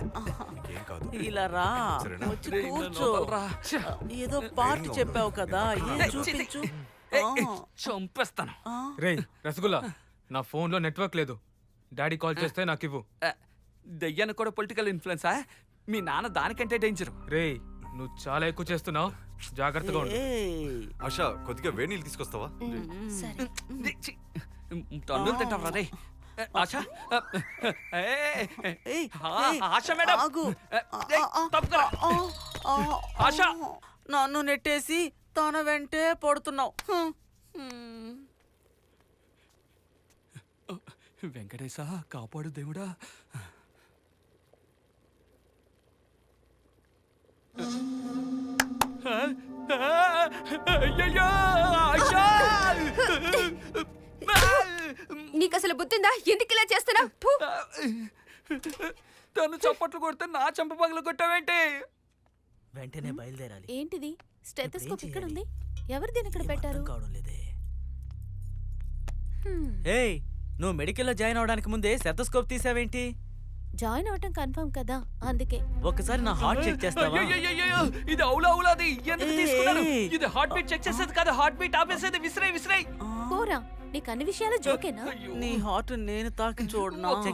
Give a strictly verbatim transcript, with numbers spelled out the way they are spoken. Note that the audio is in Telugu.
నీకేం కాదు. ఇలా రా, సరేనా? వచ్చి రేయ్, నన్ను కూర్చో. వదలరా. ఏదో పార్ట్ చెప్పావు కదా, ఏం చూపించు. చంపేస్తాను. రేయ్ రసగుల్లా, నా ఫోన్లో నెట్వర్క్ లేదు. డాడీ కాల్ చేస్తే నాకు ఇవ్వు. దయ్యానికి కూడా పొలిటికల్ ఇన్ఫ్లుయెన్సా? మీ నాన్న దానికంటే డేంజర్. రేయ్ నువ్వు చాలా ఎక్కువ చేస్తున్నావు, జాగ్రత్తగా ఉండు. ఏయ్, ఆశ కొద్దిగా వేడి నీళ్ళు తీసుకొస్తావా? సరే. టన్నులు తింటావరా రే? ఆశ, ఏయ్, ఏయ్, ఆశ మేడం, ఆగు. ఏయ్, తప్పుకోరా. ఆ, ఆ, ఆశ. నన్ను నెట్టేసి తన వెంటే పడుతున్నావు. హ్మ్. వెంకటేశ కాపాడు దేవుడా. అయ్యయ్యో, ఆశ! నీకు అసలు బుద్ధిందా? ఎందుకు ఇలా చేస్తున్నావు? తను చప్పట్లు కొడితే నా చంప పగలు కొట్టావేంటి? వెంటనే బయలుదేరాలి. ఏంటిది? స్టెథోస్కోప్ ఇప్పుడు ఏం ఇక్కడ ఉంది. చేయాలి? ఎవరు దీని ఇక్కడ ఏం పెట్టారు? అర్థం కావడం లేదే. హ్మ్. ఏయ్, నువ్వు మెడికల్లో జాయిన్ అవడానికి ముందే స్టెథోస్కోప్ తీసావేంటి? జాయిన్ అవటం కన్ఫర్మ్ కదా, అందుకే. ఒక్కసారి నా హార్ట్ చెక్ చేస్తావా? అయ్యయ్యయ్యయ్యో, ఇది అవులా అవులాది ఎందుకు ఏయ్, తీసుకున్నారు? ఏయ్. ఇది హార్ట్ బీట్ చెక్ చేసేది కాదు, హార్ట్ బీట్ ఆపేసేది. విసిరే విసిరే. పోరా, నీకు అన్ని విషయాలు జోకేనా? నీ హార్ట్ నేను తాకి చూడనా?